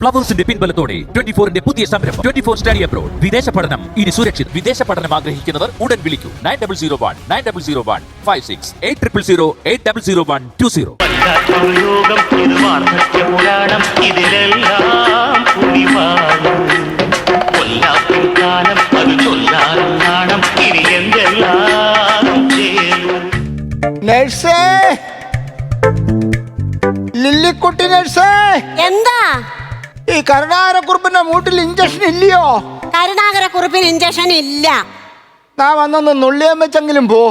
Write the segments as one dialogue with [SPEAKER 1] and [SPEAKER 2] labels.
[SPEAKER 1] ഫ്ലവേഴ്സിന്റെ പിൻബലത്തോടെ 24ന്റെ പുതിയ സംരംഭം 24 study abroad. വിദേശ പഠനം ഇനി സുരക്ഷിത്. വിദേശ പഠനം ആഗ്രഹിക്കുന്നവർ ഉടൻ വിളിക്കൂ 9001 8000 800120.
[SPEAKER 2] നഴ്സേ, ലില്ലിക്കുട്ടി നഴ്സേ,
[SPEAKER 3] എന്താ
[SPEAKER 2] ഈ കരുണാകരക്കുറുപ്പിന്റെ മൂട്ടിൽ ഇഞ്ചക്ഷൻ ഇല്ലയോ?
[SPEAKER 3] കരുണാകരക്കുറുപ്പിന് ഇഞ്ചക്ഷൻ ഇല്ല.
[SPEAKER 2] നാ വന്നൊന്ന് നുള്ളിയാൻ വെച്ചെങ്കിലും പോ.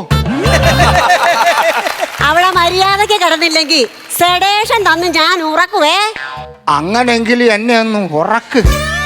[SPEAKER 3] അവിടെ മര്യാദക്ക് കിടന്നില്ലെങ്കിൽ സെഡേഷൻ തന്ന് ഞാൻ ഉറക്കുവേ.
[SPEAKER 2] അങ്ങനെങ്കിലും എന്നെ ഒന്ന് ഉറക്ക്.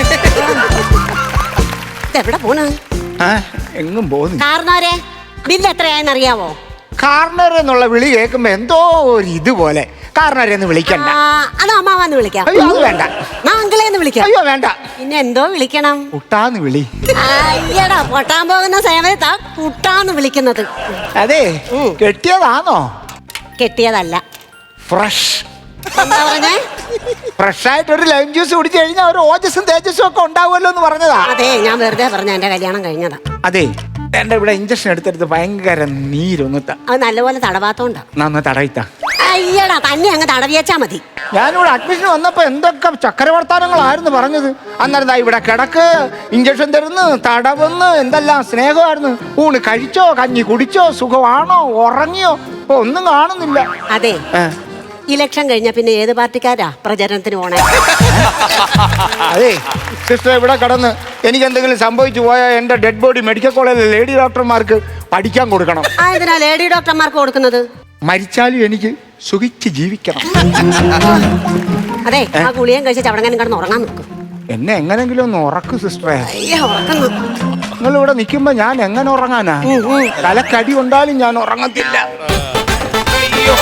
[SPEAKER 3] എവിടെ പോണ്?
[SPEAKER 2] എങ്ങും പോന്നു.
[SPEAKER 3] കാരണവരെ ബില്ല് എത്രയായെന്ന് അറിയാവോ?
[SPEAKER 2] കാർണർ എന്നുള്ള വിളി കേൾക്കുമ്പോ എന്തോ ഒരു ഇതുപോലെ. കാർണരെന്ന് വിളിക്കണ്ട.
[SPEAKER 3] അത് അമ്മാവന്ന് വിളിക്കാം.
[SPEAKER 2] അയ്യോ അത് വേണ്ട.
[SPEAKER 3] അങ്കിളേന്ന് വിളിക്കാം.
[SPEAKER 2] അയ്യോ വേണ്ട.
[SPEAKER 3] പിന്നെ എന്തോ വിളിക്കണം?
[SPEAKER 2] കുട്ടാന്ന് വിളി.
[SPEAKER 3] അയ്യടാ, പൊട്ടാൻ പോകുന്ന സമയത്താ കുട്ടാന്ന് വിളിക്കുന്നത്.
[SPEAKER 2] അതെ, കെട്ടിയതാണോ?
[SPEAKER 3] കെട്ടിയതല്ല.
[SPEAKER 2] ഫ്രഷ്.
[SPEAKER 3] എന്താ പറഞ്ഞേ?
[SPEAKER 2] ഫ്രഷ് ആയിട്ട് ഒരു ലൈം ജ്യൂസ് കുടിച്ചു കഴിഞ്ഞാൽ ഒരു ഓജസ്സും തേജസ്സും ഒക്കെ ഉണ്ടാവുമല്ലോ എന്ന് പറഞ്ഞതാ.
[SPEAKER 3] അതെ, ഞാൻ വെറുതെ പറഞ്ഞ എന്റെ കല്യാണം കഴിഞ്ഞതാ.
[SPEAKER 2] അതെ, എന്റെ ഇവിടെ ഇഞ്ചക്ഷൻ എടുത്തെടുത്ത് ഭയങ്കര നീരൊന്നിട്ട.
[SPEAKER 3] അത് നല്ലപോലെ തടവാത്തോണ്ടാ.
[SPEAKER 2] നന്ന തടയിത്ത.
[SPEAKER 3] അയ്യടാ, തന്നെ അങ്ങ് തടവിയച്ചാ മതി.
[SPEAKER 2] ഞാനിവിടെ അഡ്മിഷൻ വന്നപ്പോ എന്തൊക്കെ ചക്രവർത്താനങ്ങളായിരുന്നു പറഞ്ഞത്. അന്നേരം ഇവിടെ കിടക്ക്, ഇഞ്ചക്ഷൻ തരുന്നു, തടവുന്ന്, എന്തെല്ലാം സ്നേഹമായിരുന്നു. ഊണ് കഴിച്ചോ, കഞ്ഞി കുടിച്ചോ, സുഖമാണോ, ഉറങ്ങിയോ, ഒന്നും കാണുന്നില്ല.
[SPEAKER 3] അതെ, ഇലക്ഷൻ കഴിഞ്ഞ പിന്നെ ഏത് പാർട്ടിക്കാരാ പ്രചരണത്തിന് പോണേ?
[SPEAKER 2] അതെ സിസ്റ്റർ, ഇവിടെ കടന്ന് എനിക്ക് എന്തെങ്കിലും സംഭവിച്ചു പോയാൽ എന്റെ ഡെഡ് ബോഡി മെഡിക്കൽ കോളേജിലെ ലേഡി ഡോക്ടർമാർക്ക് പഠിക്കാൻ കൊടുക്കണം.
[SPEAKER 3] എന്തിനാ ലേഡി ഡോക്ടർമാർക്ക് കൊടുക്കുന്നത്?
[SPEAKER 2] മരിച്ചാലും എനിക്ക് സുഖിച്ച് ജീവിക്കണം.
[SPEAKER 3] അതെ, ആ ഗുളിയും കഴിച്ച് ചവടങ്ങാനും കിടന്ന് ഉറങ്ങാൻ നിൽക്കും.
[SPEAKER 2] എന്നെ എങ്ങനെങ്കിലും ഒന്ന് ഉറക്കു സിസ്റ്ററെ.
[SPEAKER 3] ഉറക്കുന്നു.
[SPEAKER 2] നിങ്ങൾ ഇവിടെ നിൽക്കുമ്പോ ഞാൻ എങ്ങനെ ഉറങ്ങാനാ? തലക്കടി കൊണ്ടാലും ഞാൻ ഉറങ്ങത്തില്ല. അയ്യോ,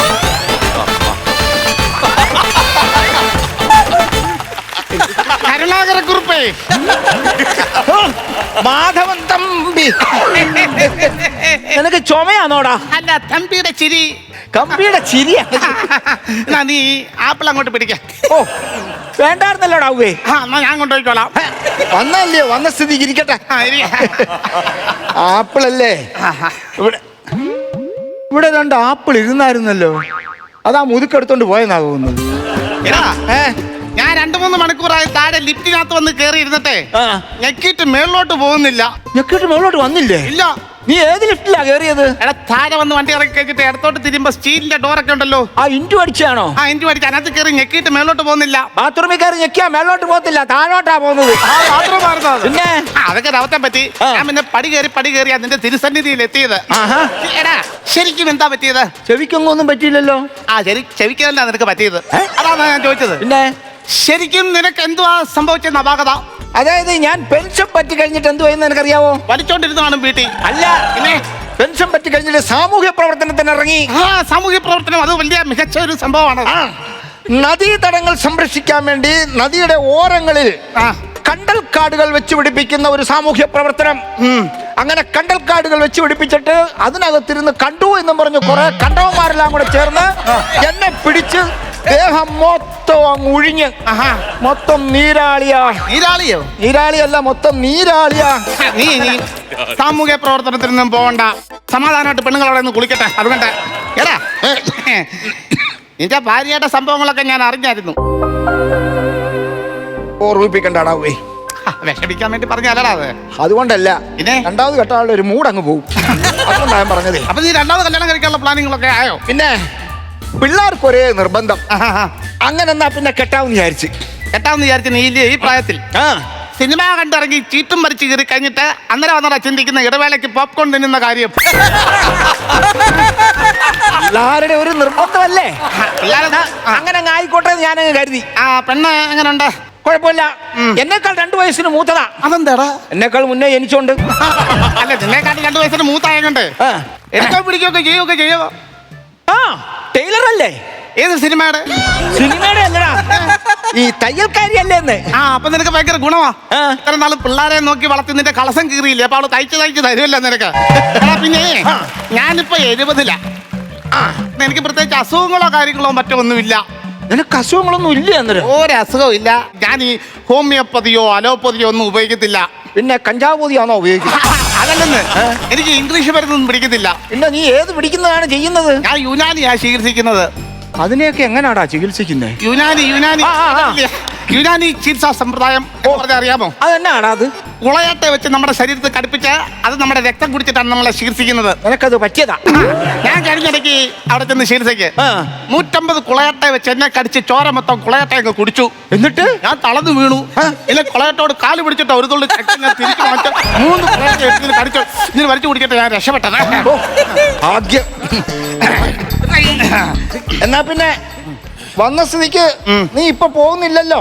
[SPEAKER 2] കരുണാകരക്കുറുപ്പേ, മാധവൻ തമ്പി, നിനക്ക് ചുമയാണോടാ?
[SPEAKER 4] അല്ല, തമ്പിയുടെ ചിരി.
[SPEAKER 2] കമ്പിയുടെ ചിരിയാ.
[SPEAKER 4] നീ ആപ്പിൾ അങ്ങോട്ട് പിടിക്ക.
[SPEAKER 2] ഓ, വേണ്ടായിരുന്നല്ലോടാ ഉവ്വേ.
[SPEAKER 4] എന്നാ ഞാൻ കൊണ്ടുപോയിക്കോളാം.
[SPEAKER 2] വന്നല്ലേ, വന്ന സ്ഥിതിക്ക് ഇരിക്കട്ടെ. ആപ്പിളല്ലേ? ഇവിടെ ഇവിടെ രണ്ട് ആപ്പിൾ ഇരുന്നായിരുന്നല്ലോ. അതാ മുതുക്കെടുത്തോണ്ട് പോയെന്നാ തോന്നുന്നത്.
[SPEAKER 4] ഞാൻ 2-3 മണിക്കൂറായി താഴെ ലിഫ്റ്റിനകത്ത് വന്ന് കേറി ഇരുന്നിട്ടേ ഞെക്കിട്ട് മേളിലോട്ട് പോകുന്നില്ല.
[SPEAKER 2] ഞെക്കിട്ട് മേളോട്ട് വന്നില്ലേ?
[SPEAKER 4] ഇല്ല.
[SPEAKER 2] നീ ഏത് ലിഫ്റ്റിലാ കേറിയത്?
[SPEAKER 4] എടാ, താഴെ വന്ന് വണ്ടി ഇറക്കി കഴിച്ചിട്ട് ഇടത്തോട്ട് തിരുമ്പോ സ്റ്റീലിന്റെ ഡോറൊക്കെ ഉണ്ടല്ലോ.
[SPEAKER 2] ആ ഇൻറ്റു അടിച്ചാണോ?
[SPEAKER 4] എനിക്ക് പഠിച്ച അതിനകത്ത് കയറി ഞെക്കിട്ട് മേളിലോട്ട് പോകുന്നില്ല.
[SPEAKER 2] ബാത്റൂമിൽ കയറി ഞെക്കിയാ മേളോട്ട് പോകത്തില്ല, താഴോട്ടാ പോകുന്നത്. പിന്നെ
[SPEAKER 4] അതൊക്കെ രവത്തെ പറ്റി. ഞാൻ പിന്നെ പടി കയറി അതിന്റെ തിരുസന്നിധിയിൽ എത്തിയത്. എടാ, ശരിക്കും എന്താ പറ്റിയത്?
[SPEAKER 2] ചെവിക്കൊന്നും പറ്റിയില്ലല്ലോ.
[SPEAKER 4] ചെവിക്കല്ല നിനക്ക് പറ്റിയത്. അതാണ് ഞാൻ ചോദിച്ചത്.
[SPEAKER 2] പിന്നെ
[SPEAKER 4] ശരിക്കും നിനക്ക് എന്തുവാ സംഭവിച്ചെന്ന അപാകത?
[SPEAKER 2] അതായത് ഞാൻ പെൻഷൻ പറ്റി കഴിഞ്ഞിട്ട് എന്തുവായെന്ന് നിനക്കറിയാവോ?
[SPEAKER 4] വലിച്ചോണ്ടിരുന്നാണ് വീട്ടിൽ.
[SPEAKER 2] അല്ല, പിന്നെ പെൻഷൻ പറ്റി കഴിഞ്ഞിട്ട് സാമൂഹ്യ പ്രവർത്തനത്തിന് ഇറങ്ങി.
[SPEAKER 4] സാമൂഹ്യ പ്രവർത്തനം അത് വലിയ മികച്ച ഒരു സംഭവമാണ്.
[SPEAKER 2] നദീതടങ്ങൾ സംരക്ഷിക്കാൻ വേണ്ടി നദിയുടെ ഓരങ്ങളിൽ കണ്ടൽ കാടുകൾ വെച്ച് പിടിപ്പിക്കുന്ന ഒരു സാമൂഹ്യ പ്രവർത്തനം. അങ്ങനെ കണ്ടൽ കാടുകൾ വെച്ച് പിടിപ്പിച്ചിട്ട് അതിനകത്തിരുന്ന് കണ്ടു എന്നും പറഞ്ഞു കുറെ കണ്ടവന്മാരെല്ലാം കൂടെ ചേർന്ന് എന്നെ പിടിച്ച് ദേഹം മൊത്തം അങ്ങ് ഒഴിഞ്ഞ് മൊത്തം നീരാളിയാ. നീരാളിയല്ല, മൊത്തം നീരാളിയാ.
[SPEAKER 4] നീ സാമൂഹ്യ പ്രവർത്തനത്തിനൊന്നും പോകണ്ട, സമാധാനമായിട്ട് പെണ്ണുങ്ങളവിടെ നിന്ന് കുളിക്കട്ടെ. അതുകൊണ്ട് എടാ, നിന്റെ ഭാര്യയുടെ സംഭവങ്ങളൊക്കെ ഞാൻ അറിഞ്ഞായിരുന്നു.
[SPEAKER 2] ഓർമ്മിപ്പിക്കണ്ടാടാവേ.
[SPEAKER 4] വിഷമിക്കാൻ വേണ്ടി പറഞ്ഞല്ലടാ അത്.
[SPEAKER 2] അതുകൊണ്ടല്ല,
[SPEAKER 4] പിന്നെ
[SPEAKER 2] രണ്ടാമത് കെട്ടാളുടെ ഒരു മൂഡ് അങ്ങ് പോകും. അതുകൊണ്ടാണ് ഞാൻ പറഞ്ഞതേ.
[SPEAKER 4] അപ്പൊ നീ രണ്ടാമത് കല്യാണം കഴിക്കാനുള്ള പ്ലാനിങ്ങളൊക്കെ ആയോ?
[SPEAKER 2] പിന്നെ പിള്ളേർക്ക് ഒരേ നിർബന്ധം. അങ്ങനെ എന്നാ പിന്നെ കെട്ടാമെന്ന് വിചാരിച്ച്
[SPEAKER 4] നീ ഈ പ്രായത്തിൽ സിനിമ കണ്ടിറങ്ങി ചീട്ടും മരിച്ചു കയറി കഴിഞ്ഞിട്ട് അന്നേരം വന്നടാ ചിന്തിക്കുന്ന ഇടവേളയ്ക്ക് പോപ്കോൺ തിന്നുന്ന കാര്യം.
[SPEAKER 2] പിള്ളേരുടെ ഒരു നിർബന്ധമല്ലേ? അങ്ങനെ ആയിക്കോട്ടെ ഞാനങ്ങ് കരുതി.
[SPEAKER 4] പെണ്ണ് എങ്ങനെയുണ്ട്?
[SPEAKER 2] കുഴപ്പമില്ല. എന്നെക്കാൾ 2 വയസ്സിന് മൂത്തതാ.
[SPEAKER 4] അതെന്താടാ?
[SPEAKER 2] എന്നെക്കാൾ മുന്നേ ജനിച്ചോണ്ട്.
[SPEAKER 4] അല്ല, നിന്നെക്കാട്ടി 2 വയസ്സിന് മൂത്തായതുകൊണ്ട് എടുക്കാൻ പിടിക്കുകയൊക്കെ ചെയ്യുമോ?
[SPEAKER 2] ടൈലർ അല്ലേ?
[SPEAKER 4] ഏത് സിനിമയുടെ?
[SPEAKER 2] സിനിമയുടെ അല്ലടാ, ഈ തയ്യൽക്കാരിയല്ലേ?
[SPEAKER 4] അപ്പൊ നിനക്ക് ഭയങ്കര ഗുണമാ. ഇത്ര നാള് പിള്ളേരെ നോക്കി വളർത്തി നിന്റെ കളസം കീറിയില്ലേ? അപ്പൊ അവള് തയ്ച്ച് തരുമല്ലോ നിനക്ക്. പിന്നെ ഞാനിപ്പോ 70-ലാ. എനിക്ക് പ്രത്യേകിച്ച് അസുഖങ്ങളോ കാര്യങ്ങളോ മറ്റോ ഒന്നുമില്ല.
[SPEAKER 2] നിനക്ക് അസുഖങ്ങളൊന്നും ഇല്ല അന്നേരം?
[SPEAKER 4] ഒരസുഖവും ഇല്ല. ഞാൻ ഈ ഹോമിയോപ്പതിയോ അലോപ്പതിയോ ഒന്നും ഉപയോഗിക്കത്തില്ല.
[SPEAKER 2] പിന്നെ കഞ്ചാവ് പൊതിയാണോ ഉപയോഗിക്കുന്നത്?
[SPEAKER 4] അതല്ലെന്ന്, എനിക്ക് ഇംഗ്ലീഷ് മരുന്നൊന്നും പിടിക്കത്തില്ല.
[SPEAKER 2] പിന്നെ നീ ഏത് പിടിക്കുന്നതാണ് ചെയ്യുന്നത്?
[SPEAKER 4] ഞാൻ യുനാനിയാ ചികിത്സിക്കുന്നത്.
[SPEAKER 2] അതിനെയൊക്കെ എങ്ങനാടാ ചികിത്സിക്കുന്നത്?
[SPEAKER 4] യുനാനി യുനാനി ചികിത്സാ സമ്പ്രദായം പറഞ്ഞാൽ അറിയാമോ?
[SPEAKER 2] അതെന്നാണ് അത്?
[SPEAKER 4] കുളയട്ടെ വെച്ച് നമ്മുടെ ശരീരത്തിൽ കടുപ്പിച്ച് അത് നമ്മുടെ രക്തം കുടിച്ചിട്ടാണ് നമ്മളെ ചികിത്സിക്കുന്നത്.
[SPEAKER 2] നിനക്കത് പറ്റിയതാ?
[SPEAKER 4] ഞാൻ കഴിഞ്ഞിടയ്ക്ക് അവിടെ ചെന്ന് ചികിത്സയ്ക്ക് 150 കുളയട്ടെ വെച്ച് എന്നെ കടിച്ച് ചോര മൊത്തം കുളയട്ടയൊക്കെ കുടിച്ചു.
[SPEAKER 2] എന്നിട്ട്
[SPEAKER 4] ഞാൻ തളർന്നു വീണു. എന്നെ കുളയട്ടോട് കാല് പിടിച്ചിട്ട് ഒരു തുള്ളി രക്തം ഞാൻ തിരിച്ചു മാറ്റി 3 കുളയട്ട ഇതിന് കടിച്ചു. ഇതിന് വലിച്ചു കുടിക്കട്ടെ ഞാൻ രക്ഷപ്പെട്ടത്.
[SPEAKER 2] ഭാഗ്യം. എന്നാ പിന്നെ വന്ന സ്ഥിതിക്ക് നീ ഇപ്പൊ പോകുന്നില്ലല്ലോ.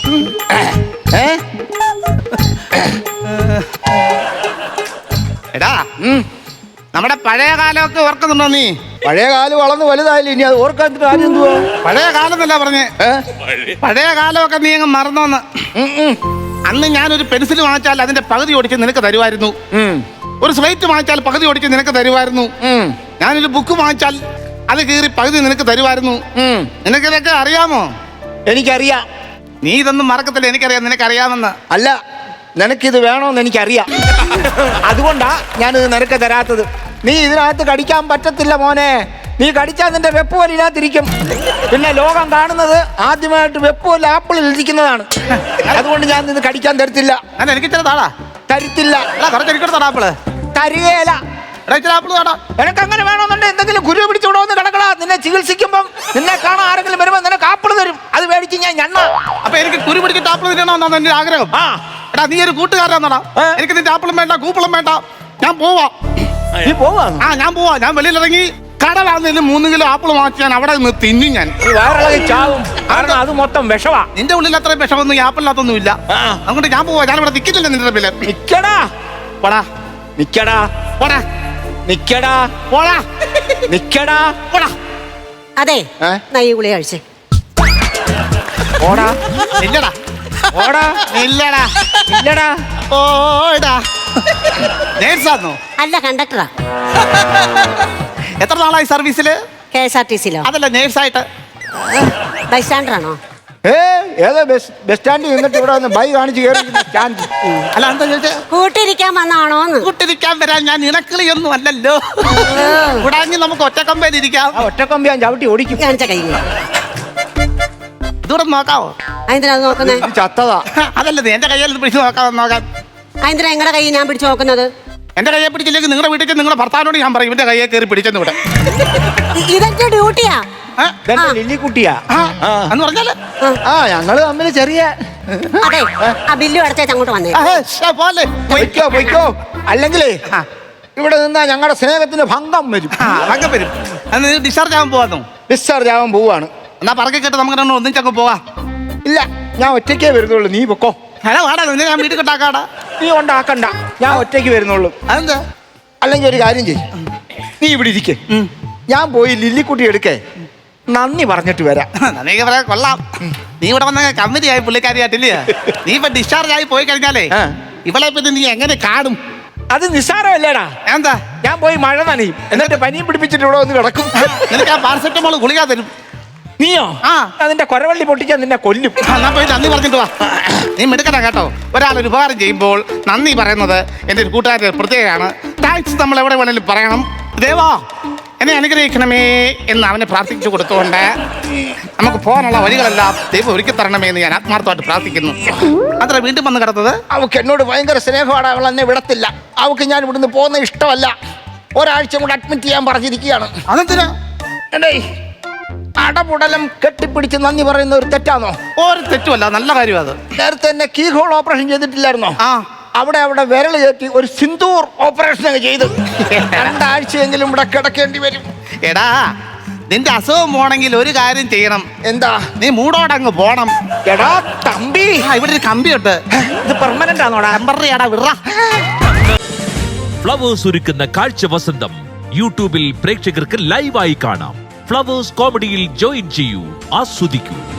[SPEAKER 4] എടാ, നമ്മുടെ പഴയ കാലമൊക്കെ ഓർക്കുന്നുണ്ടോ നീ?
[SPEAKER 2] പഴയ കാലം വളർന്ന് വലുതായില്ല, ഇനി അത് ഓർക്കാൻ കാര്യം എന്തുവാ?
[SPEAKER 4] പഴയ കാലം എന്നല്ല പറഞ്ഞേ, പഴയ കാലമൊക്കെ നീ അങ്ങ് മറന്നോന്ന്. അന്ന് ഞാനൊരു പെൻസിൽ വാങ്ങിച്ചാൽ അതിന്റെ പകുതി ഓടിച്ച് നിനക്ക് തരുമായിരുന്നു. ഒരു സ്ലേറ്റ് വാങ്ങിച്ചാൽ പകുതി ഓടിച്ച് നിനക്ക് തരുമായിരുന്നു. ഞാനൊരു ബുക്ക് വാങ്ങിച്ചാൽ അത് കീറി പകുതി നിനക്ക് തരുമായിരുന്നു. നിനക്കിതൊക്കെ അറിയാമോ?
[SPEAKER 2] എനിക്കറിയാം.
[SPEAKER 4] നീ ഇതൊന്നും മറക്കത്തില്ല, എനിക്കറിയാം നിനക്കറിയാമെന്ന്.
[SPEAKER 2] അല്ല, നിനക്കിത് വേണോന്ന് എനിക്കറിയാം. അതുകൊണ്ടാ ഞാനിത് നിനക്ക് തരാത്തത്. നീ ഇതിനകത്ത് കടിക്കാൻ പറ്റത്തില്ല മോനെ. നീ കടിച്ചാൽ നിന്റെ വെപ്പ് പോലെ ഇതിനകത്തിരിക്കും. പിന്നെ ലോകം കാണുന്നത് ആദ്യമായിട്ട് വെപ്പ് പോലെ ആപ്പിളിൽ ഇരിക്കുന്നതാണ്. അതുകൊണ്ട് ഞാൻ ഇത് കടിക്കാൻ തരത്തില്ല.
[SPEAKER 4] എനിക്ക് ഇച്ചിരി താടാ.
[SPEAKER 2] തരത്തില്ല.
[SPEAKER 4] കുറച്ചെടുക്കണ ആപ്പിള്
[SPEAKER 2] തരികയില്ല.
[SPEAKER 4] ആപ്പിള് താടാ.
[SPEAKER 2] നിനക്ക് അങ്ങനെ വേണമെന്നുണ്ടെങ്കിൽ എന്തെങ്കിലും ഗുരു പിടിച്ചുകൂടെ ഒന്ന് കിടക്കടാ. നിന്നെ ചികിത്സിക്കുമ്പം നിന്നെ കാണാൻ ആരെങ്കിലും വരുമ്പോൾ നിനക്ക് ആപ്പിള് തരും. അത് മേടിച്ച് ഞാൻ ഞണ്ണ.
[SPEAKER 4] അപ്പൊ എനിക്ക് കുരു പിടിച്ചിട്ട് ആപ്പിള് തിന്നണമെന്നാണ് എന്റെ ആഗ്രഹം. എടാ, നീ ഒരു കൂട്ടുകാരനാടാ. എനിക്ക് നിന്റെ ആപ്പിളും വേണ്ട, കൂപ്പിളും വേണ്ട. ഞാൻ പോവാ.
[SPEAKER 2] നീ പോവാ?
[SPEAKER 4] ഞാൻ പോവാ. ഞാൻ വെളിയിലിറങ്ങി കടലാണെങ്കിലും 3 കിലോ ആപ്പിൾ വാങ്ങിച്ച് ഞാൻ അവിടെ നിന്ന് തിന്നും. ഞാൻ
[SPEAKER 2] വയറിളകി ചാവും. കാരണം അത് മൊത്തം വിഷവാ.
[SPEAKER 4] നിന്റെ ഉള്ളിൽ അത്രയും വിഷമൊന്നും ഈ ആപ്പിളിനകത്തൊന്നും ഇല്ല. അതുകൊണ്ട് ഞാൻ പോവാ. ഞാനിവിടെ നിൽക്കുന്നില്ല നിന്റെ പേര്.
[SPEAKER 2] നിക്കടാ.
[SPEAKER 4] പോടാ.
[SPEAKER 2] നിക്കടാ.
[SPEAKER 4] പോടാ.
[SPEAKER 2] നിക്കടാ.
[SPEAKER 4] പോടാ.
[SPEAKER 2] നിക്കടാ.
[SPEAKER 4] പോടാ.
[SPEAKER 3] അതെ, ഈ ഗുളിക കഴിച്ചേ.
[SPEAKER 2] ഓടാ.
[SPEAKER 4] ഇല്ലടാ.
[SPEAKER 2] ഓടാ.
[SPEAKER 4] ഇല്ലടാ.
[SPEAKER 2] ഇല്ലടാ.
[SPEAKER 4] ഓടാ. നേഴ്സാന്നോ?
[SPEAKER 3] അല്ല, കണ്ടക്ടറാ.
[SPEAKER 4] എത്ര നാളായി സർവീസില്?
[SPEAKER 3] KSRTC-ലോ?
[SPEAKER 4] അതല്ല, നേഴ്സായിട്ട്.
[SPEAKER 3] ബൈ സ്റ്റാൻഡറാണോ?
[SPEAKER 2] ഏതോ ബസ് സ്റ്റാൻഡിൽ നിന്നിട്ട് ഇവിടെ വന്ന് ബൈ കാണിച്ച് കയറി സ്റ്റാൻഡ്.
[SPEAKER 4] അല്ല, എന്താ ചോദിച്ചേ?
[SPEAKER 3] കൂട്ടിരിക്കാൻ വന്നാണോന്ന്.
[SPEAKER 4] കൂട്ടിരിക്കാൻ വരാൻ ഞാൻ ഇണക്കിളിയൊന്നും അല്ലല്ലോ. കൂടാഞ്ഞ് നമുക്ക് ഒറ്റക്കമ്പയിലിരിക്കാം.
[SPEAKER 2] ഒറ്റക്കൊമ്പി ഞാൻ ചവിട്ടി ഓടിക്കും.
[SPEAKER 3] കാണിച്ച കൈ
[SPEAKER 4] ദൂരം നോക്കാവോ?
[SPEAKER 3] അതെന്തിനാ അത് നോക്കുന്നേ?
[SPEAKER 2] ചത്തതാ.
[SPEAKER 4] അതല്ല, നീ എന്റെ കയ്യിൽ പിടിച്ച് നോക്കാൻ.
[SPEAKER 3] അതെന്തിനാ നിങ്ങളുടെ കൈ ഞാൻ പിടിച്ചു നോക്കുന്നത്?
[SPEAKER 4] എന്റെ കയ്യെ പിടിച്ചില്ലെങ്കിൽ നിങ്ങളുടെ വീട്ടിൽ നിങ്ങളുടെ ഭർത്താവിനോട് ഞാൻ പറയും ഇവന്റെ കയ്യെ കയറി പിടിച്ചെന്ന് ഇവിടെ.
[SPEAKER 3] ഇതെന്റെ ഡ്യൂട്ടിയാ.
[SPEAKER 2] ലില്ലിക്കുട്ടിയാ
[SPEAKER 4] എന്ന് പറഞ്ഞാല്
[SPEAKER 2] ഞങ്ങള് തമ്മിൽ ചെറിയ.
[SPEAKER 3] അതെ, ആ ബില്ല് അടച്ചേച്ച് അങ്ങോട്ട് വന്നേ.
[SPEAKER 4] പോലെ
[SPEAKER 2] പൊയ്ക്കോ. അല്ലെങ്കിലേ ഇവിടെ നിന്നാ ഞങ്ങളുടെ സ്നേഹത്തിന് ഭംഗം വരും.
[SPEAKER 4] ഭംഗം വരും. ഡിസ്ചാർജ് ആവാൻ പോവാന്നോ?
[SPEAKER 2] ഡിസ്ചാർജ് ആവാൻ പോവാണ്.
[SPEAKER 4] എന്നാ പറക്കെ കേട്ട് നമുക്ക് ഒന്നിച്ചങ്ങ് പോവാ.
[SPEAKER 2] ഇല്ല, ഞാൻ ഒറ്റയ്ക്കേ വരുന്നുള്ളൂ. നീ പൊക്കോ.
[SPEAKER 4] ഹലോ, വാടാ. ഞാൻ വീട്ടിൽ കൊണ്ടാക്കാടാ.
[SPEAKER 2] നീ ഉണ്ടാക്കണ്ട, ഞാൻ ഒറ്റയ്ക്ക് വരുന്നുള്ളൂ.
[SPEAKER 4] അതെന്താ?
[SPEAKER 2] അല്ലെങ്കിൽ ഒരു കാര്യം ചെയ്യും, നീ ഇവിടെ ഇരിക്കേ. ഞാൻ പോയി ലില്ലിക്കുട്ടി എടുക്കേ നന്ദി പറഞ്ഞിട്ട് വരാം.
[SPEAKER 4] നന്ദിക്ക് പറയാൻ കൊള്ളാം. നീ ഇവിടെ വന്ന കമ്മിറ്റിയായി പുള്ളിക്കാരിയായിട്ടില്ലേ? നീ ഇപ്പൊ ഡിസ്ചാർജ് ആയി പോയി കഴിഞ്ഞാലേ ഇവളെ പിന്നെ നീ എങ്ങനെ കാണും?
[SPEAKER 2] അത് നിസ്സാരമല്ലേടാ.
[SPEAKER 4] എന്താ?
[SPEAKER 2] ഞാൻ പോയി മഴ നനയും, എന്നിട്ട് പനിയും പിടിപ്പിച്ചിട്ട് ഇവിടെ വന്ന് കിടക്കും.
[SPEAKER 4] നിനക്ക് ആ പാരസെറ്റമോൾ ഗുളിക തരും.
[SPEAKER 2] നീയോ? അതിന്റെ കൊരവള്ളി പൊട്ടിച്ചാൽ നിന്നെ കൊല്ലും.
[SPEAKER 4] എന്നാ പോയി നന്ദി പറഞ്ഞിട്ട് വാ. നീ മിടുക്കണ്ട കേട്ടോ. ഒരാളൊരു ഉപകാരം ചെയ്യുമ്പോൾ നന്ദി പറയുന്നത് എൻ്റെ ഒരു കൂട്ടുകാരുടെ പ്രത്യേകമാണ്. താങ്ക്സ് നമ്മൾ എവിടെ വേണേലും പറയണം. ദേവാ, എന്നെ അനുഗ്രഹിക്കണമേ എന്ന് അവനെ പ്രാർത്ഥിച്ചു കൊടുത്തുകൊണ്ട് നമുക്ക് പോകാനുള്ള വഴികളെല്ലാം ദൈവം ഒരുക്കി തരണമേ എന്ന് ഞാൻ ആത്മാർത്ഥമായിട്ട് പ്രാർത്ഥിക്കുന്നു. അത്ര വീണ്ടും വന്ന് കിടന്നത്
[SPEAKER 2] അവൾക്ക് എന്നോട് ഭയങ്കര സ്നേഹമാണ്. അവൾ എന്നെ വിടത്തില്ല. അവൾക്ക് ഞാൻ ഇവിടുന്ന് പോകുന്ന ഇഷ്ടമല്ല. ഒരാഴ്ച കൂടെ അഡ്മിറ്റ് ചെയ്യാൻ പറഞ്ഞിരിക്കുകയാണ്.
[SPEAKER 4] അതെന്തിനാ?
[SPEAKER 2] എടേ, അടപുടലം കെട്ടിപ്പിടിച്ച് നന്ദി പറയുന്ന ഒരു തെറ്റാണോ?
[SPEAKER 4] ഒരു തെറ്റുമല്ല, നല്ല കാര്യം. അത്
[SPEAKER 2] നേരത്തെ എന്നെ കീ ഹോൾ ഓപ്പറേഷൻ ചെയ്തിട്ടില്ലായിരുന്നോ? അവിടെ വിരൽ കയറ്റി ഒരു സിന്ദൂർ ഓപ്പറേഷൻ ഒക്കെ ചെയ്ത് 2 ആഴ്ചയെങ്കിലും ഇവിടെ കിടക്കേണ്ടി വരും.
[SPEAKER 4] എടാ, നിന്റെ അസുഖം പോണെങ്കിൽ ഒരു കാര്യം ചെയ്യണം.
[SPEAKER 2] എന്താ?
[SPEAKER 4] നീ മൂടോടങ്ങ് പോണം.
[SPEAKER 2] എടാ തമ്പി,
[SPEAKER 4] ഇവിടെ ഒരു കമ്പിയുണ്ട്.
[SPEAKER 2] ഇത് പെർമനന്റ് ആണോടാ?
[SPEAKER 4] ടെമ്പററി ആടാ, വിറ.
[SPEAKER 1] ഫ്ലവേഴ്സ് ഒരുക്കുന്ന കാഴ്ച വസന്തം യൂട്യൂബിൽ പ്രേക്ഷകർക്ക് ലൈവായി കാണാം. ഫ്ലവേഴ്സ് കോമഡിയിൽ ജോയിൻ ചെയ്യൂ, ആസ്വദിക്കൂ.